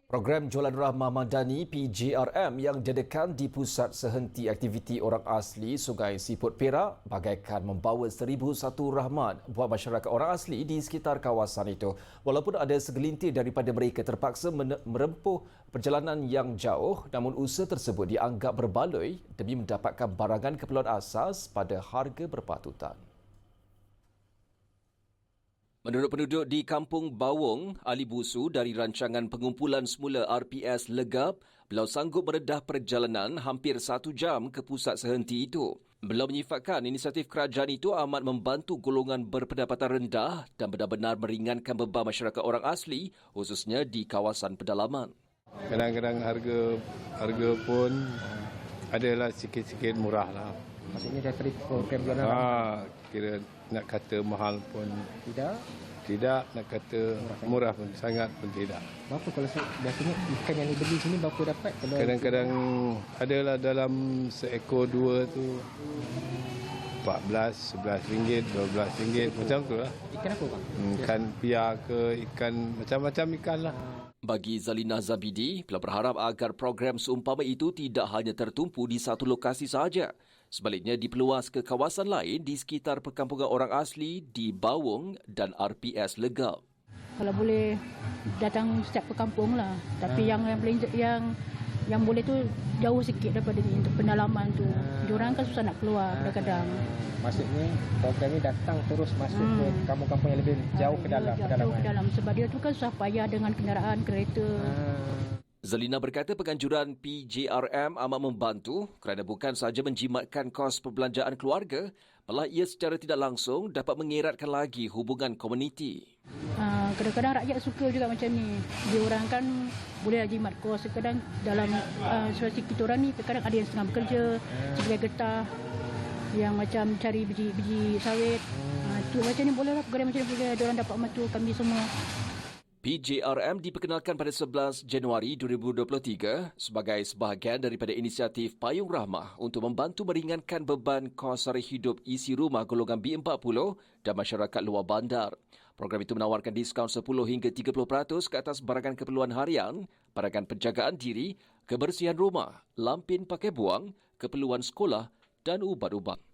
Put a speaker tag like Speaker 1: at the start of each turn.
Speaker 1: Program Jualan Rahmah Madani PJRM yang diadakan di Pusat Sehenti Aktiviti Orang Asli Sungai Siput Perak bagaikan membawa 1001 rahmat buat masyarakat orang asli di sekitar kawasan itu. Walaupun ada segelintir daripada mereka terpaksa merempuh perjalanan yang jauh, namun usaha tersebut dianggap berbaloi demi mendapatkan barangan keperluan asas pada harga berpatutan. Menurut penduduk di Kampung Bawong, Ali Busu dari rancangan pengumpulan semula RPS Legap, beliau sanggup meredah perjalanan hampir 1 jam ke pusat sehenti itu. Beliau menyifatkan inisiatif kerajaan itu amat membantu golongan berpendapatan rendah dan benar-benar meringankan beban masyarakat orang asli, khususnya di kawasan pedalaman.
Speaker 2: Kadang-kadang harga pun adalah sikit-sikit murah lah.
Speaker 3: Maksudnya dari program Jualan
Speaker 2: Kira nak kata mahal pun
Speaker 3: tidak,
Speaker 2: nak kata murah pun sangat pun tidak.
Speaker 3: berapa kalau biasanya ikan yang dibeli sini berapa dapat?
Speaker 2: Kadang-kadang adalah dalam seekor dua tu 14, 11 ringgit, 12 ringgit macam tu lah.
Speaker 3: Ikan apa bang?
Speaker 2: Ikan piar ke, ikan macam-macam ikan lah.
Speaker 1: Bagi Zalina Zabidi, beliau berharap agar program seumpama itu tidak hanya tertumpu di satu lokasi sahaja. Sebaliknya diperluas ke kawasan lain di sekitar perkampungan orang asli di Bawong dan RPS Legap.
Speaker 4: Kalau boleh datang setiap perkampung lah. Tapi yang boleh tu jauh sikit daripada ni untuk pendalaman tu. Diorang kan susah nak keluar kadang-kadang.
Speaker 3: Maksudnya program ni datang terus masuk ke kampung-kampung yang lebih jauh ke dalam pedalaman.
Speaker 4: Jauh ke dalam sebab dia tu kan susah payah dengan kenderaan kereta.
Speaker 1: Zalina berkata penganjuran PJRM amat membantu kerana bukan sahaja menjimatkan kos perbelanjaan keluarga, malah ia secara tidak langsung dapat mengeratkan lagi hubungan komuniti.
Speaker 4: Kadang-kadang rakyat suka juga macam ni. Dia orang kan boleh jimat kos. Kadang dalam situasi kita orang ni, kadang ada yang setengah bekerja sebagai getah, yang macam cari biji sawit. Tu macam ni boleh lah, program macam ni boleh. Dia orang dapat bantu kami semua.
Speaker 1: PJRM diperkenalkan pada 11 Januari 2023 sebagai sebahagian daripada inisiatif Payung Rahmah untuk membantu meringankan beban kos sara hidup isi rumah golongan B40 dan masyarakat luar bandar. Program itu menawarkan diskaun 10 hingga 30% ke atas barangan keperluan harian, barangan penjagaan diri, kebersihan rumah, lampin pakai buang, keperluan sekolah dan ubat-ubat.